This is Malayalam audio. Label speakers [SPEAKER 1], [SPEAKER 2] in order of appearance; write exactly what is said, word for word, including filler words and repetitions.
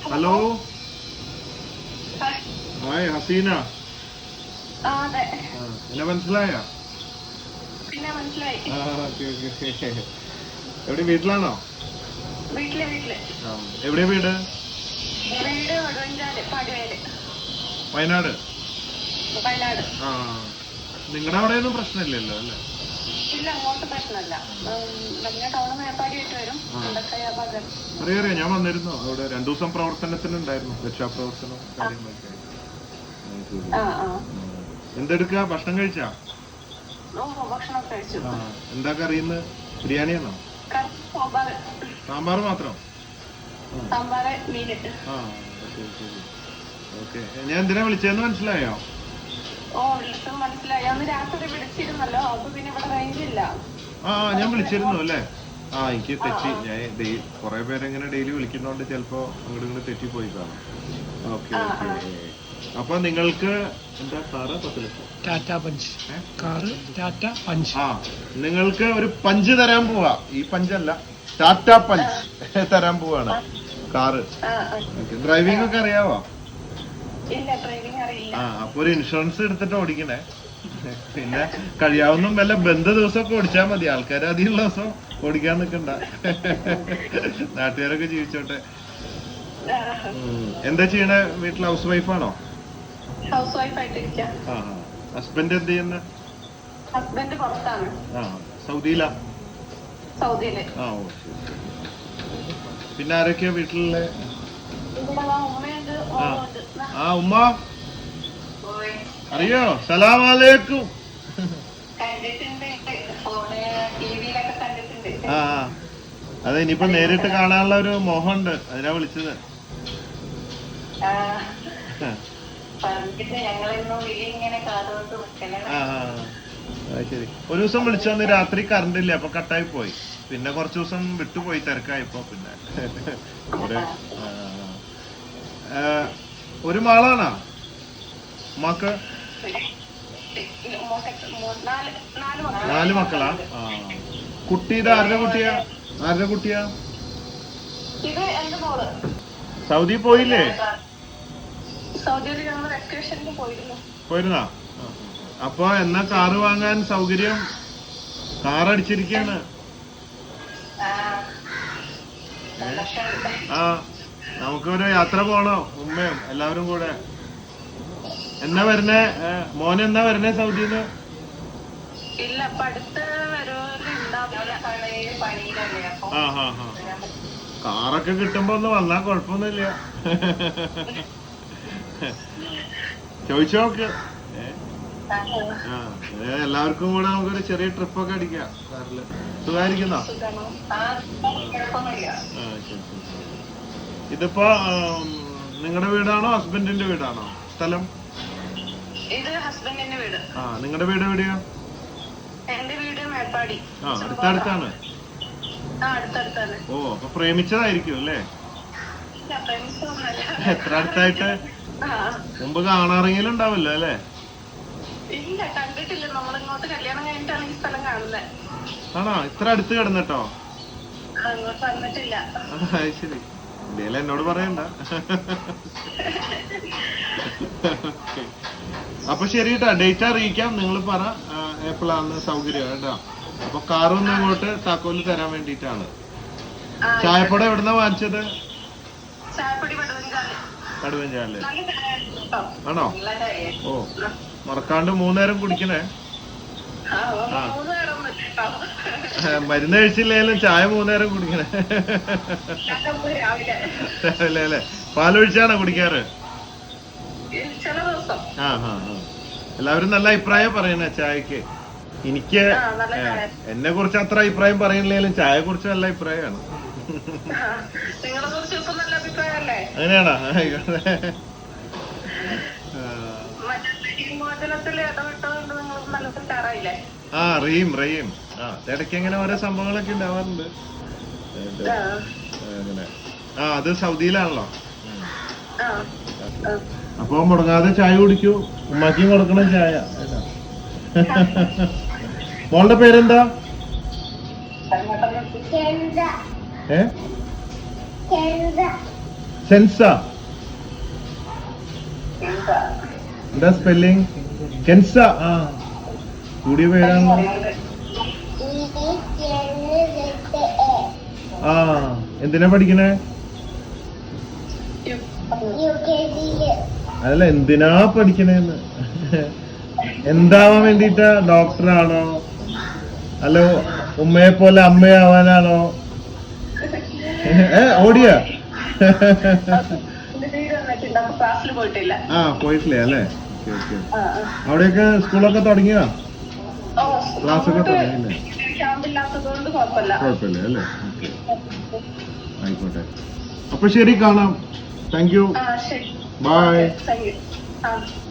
[SPEAKER 1] Hello hi Hasina. എന്നെ മനസ്സിലായ? എവിടെ വീട്ടിലാണോ? എവിടെയാ വീട്? വയനാട്. ആ നിങ്ങളുടെ അവിടെയൊന്നും പ്രശ്നമില്ലല്ലോ അല്ലേ? അറിയാം അറിയാം, ഞാൻ വന്നിരുന്നു അവിടെ രണ്ടു ദിവസം പ്രവർത്തനത്തിനുണ്ടായിരുന്നു, രക്ഷാപ്രവർത്തനം കാര്യങ്ങളൊക്കെ. എന്തെടുക്ക? ഭക്ഷണം കഴിച്ചാ? എന്താ കറിയുന്നത്? ബിരിയാണിയാണോ? സാമ്പാർ മാത്രം? ആ ശരി ശരി. ഓക്കെ, ഞാൻ എന്തിനാ വിളിച്ചതെന്ന് മനസ്സിലായോ? ആ ഞാൻ വിളിച്ചിരുന്നു അല്ലേ? ആ എനിക്ക് തെറ്റി. ഞാൻ കൊറേ പേരെങ്ങനെ ഡെയിലി വിളിക്കുന്നോണ്ട് ചിലപ്പോ അങ്ങോട്ട് ഇങ്ങോട്ട് തെറ്റിപ്പോയി കാണാം. Okay okay. അപ്പൊ നിങ്ങൾക്ക് എന്താ കാറ്? പത്ത് ലക്ഷം
[SPEAKER 2] Tata Punch car, Tata Punch.
[SPEAKER 1] ആ നിങ്ങൾക്ക് ഒരു പഞ്ച് തരാൻ പോവാ. ഈ പഞ്ചല്ല, ടാറ്റ പഞ്ച് തരാൻ പോവാണ്. കാറ് ഡ്രൈവിംഗ് ഒക്കെ അറിയാവോ? ആ അപ്പൊ ഒരു ഇൻഷുറൻസ് എടുത്തിട്ട് ഓടിക്കണേ. പിന്നെ കഴിയാവുന്ന വല്ല ബന്ധ ദിവസമൊക്കെ ഓടിച്ചാൽ മതി. ആൾക്കാർ അധികമുള്ള ദിവസം ഓടിക്കാൻ നിക്കണ്ട, നാട്ടുകാരൊക്കെ ജീവിച്ചോട്ടെ. എന്താ ചെയ്യണേ? വീട്ടിൽ ഹൗസ് വൈഫാണോ? ആ ഹസ്ബൻഡ് എന്ത് ചെയ്യുന്ന? ആ സൗദിയിലാ? ആ ഓ ശരി. പിന്നെ ആരൊക്കെയാ വീട്ടിലുള്ള? ആ ഉമ്മ അറിയോ? സലാമലൈക്കും. ആ അതെ, ഇനിയിപ്പോ നേരിട്ട് കാണാനുള്ള ഒരു മോഹമുണ്ട്, അതിനാ വിളിച്ചത്. ആ ശരി. ഒരു ദിവസം വിളിച്ചോന്ന് രാത്രി കറണ്ട് ഇല്ല, അപ്പൊ കട്ടായി പോയി. പിന്നെ കുറച്ചു ദിവസം വിട്ടുപോയി, തിരക്കായപ്പോ. പിന്നെ ഒരു മാളാണോ ഉമ്മാക്ക്? നാല് മക്കളാ? ആ കുട്ടിയുടെ ആരുടെ കുട്ടിയാ? ആരുടെ കുട്ടിയാ? സൗദി പോയില്ലേ? പോയിരുന്നാ? അപ്പൊ എന്നാ കാറ് വാങ്ങാൻ സൗകര്യം? കാർ അടിച്ചിരിക്കാണ്. ആ നമുക്കൊരു യാത്ര പോണോ ഉമ്മയും എല്ലാവരും കൂടെ? എന്നാ വരണേ? മോൻ എന്നാ വരണേ സൗദിന്ന്? ആ ഹാ ഹാ. കാറൊക്കെ കിട്ടുമ്പോ ഒന്ന് വന്നാ കൊഴപ്പൊന്നുമില്ല. ചോദിച്ചോക്ക്. ആ എല്ലാവർക്കും കൂടെ നമുക്കൊരു ചെറിയ ട്രിപ്പൊക്കെ അടിക്കാം കാറില്. സുഖായിരിക്കുന്നോ? ആ ശരി ശരി. ഇതിപ്പോ നിങ്ങളുടെ വീടാണോ ഹസ്ബൻഡിന്റെ വീടാണോ സ്ഥലം? ആ നിങ്ങളുടെ വീട് എവിടെയാ? ആ അടുത്തടുത്താണ്. ഓ അപ്പൊ പ്രേമിച്ചതായിരിക്കും അല്ലേ? എത്ര അടുത്തായിട്ട്? മുമ്പ് കാണാറെങ്കിലും ഉണ്ടാവില്ല അല്ലേ? ആണോ? ഇത്ര അടുത്ത് കിടന്നിട്ടോ? ശരി. എന്തേലും എന്നോട് പറയണ്ട. അപ്പൊ ശരി കേട്ടാ, ഡേറ്റ് അറിയിക്കാം. നിങ്ങൾ പറ എപ്പോഴാണ് സൗകര്യം കേട്ടോ. അപ്പൊ കാറൊന്നും ഇങ്ങോട്ട് താക്കോല് തരാൻ വേണ്ടിട്ടാണ്. ചായപ്പൊടി എവിടുന്നാ വാങ്ങിച്ചത്? കടുവഞ്ചാല് ആണോ? ഓ മറക്കാണ്ട് മൂന്നേരം കുടിക്കണേ. ആ മരുന്ന് കഴിച്ചില്ലേലും ചായ മൂന്നേരം കുടിക്കണേ. രാവിലെ അല്ലേ? പാലൊഴിച്ചാണോ കുടിക്കാറ്? ആ ആ ആ. എല്ലാവരും നല്ല അഭിപ്രായം പറയണേ ചായക്ക്. എനിക്ക് എന്നെ കുറിച്ച് അത്ര അഭിപ്രായം പറയണില്ലേലും ചായയെ കുറിച്ച് നല്ല അഭിപ്രായമാണ്. അങ്ങനെയാണോ? ആയിക്കോട്ടെ. ആ റീം റീം ആ ഇടയ്ക്ക് അങ്ങനെ ഓരോ സംഭവങ്ങളൊക്കെ ഉണ്ടാവാറുണ്ട് അങ്ങനെ. ആ അത് സൗദിയിലാണല്ലോ. അപ്പൊ മുടങ്ങാതെ ചായ കുടിക്കൂ. ഉമ്മാക്കും കൊടുക്കണം ചായ. മോളുടെ പേരെന്താ? ഏ സെൻസ എന്താ സ്പെല്ലിംഗ്? കെൻസ. ആ കൂടിയ പേരാണല്ലോ. ആ എന്തിനാ പഠിക്കണേ? അതല്ല, എന്തിനാ പഠിക്കണേന്ന്. എന്താവാൻ വേണ്ടിട്ടാ? ഡോക്ടറാണോ അല്ലോ ഉമ്മയെ പോലെ അമ്മയാവാനാണോ? ഏ ഓടിയ ആ പോയിട്ടില്ല അല്ലേ? Okay okay. അവിടെയൊക്കെ സ്കൂളൊക്കെ തുടങ്ങിയോ? ക്ലാസ്സൊക്കെ തുടങ്ങിയില്ലേ? കുഴപ്പമില്ല അല്ലേ? ഓക്കെ ആയിക്കോട്ടെ. അപ്പൊ ശരി, കാണാം. Thank you. ബൈ.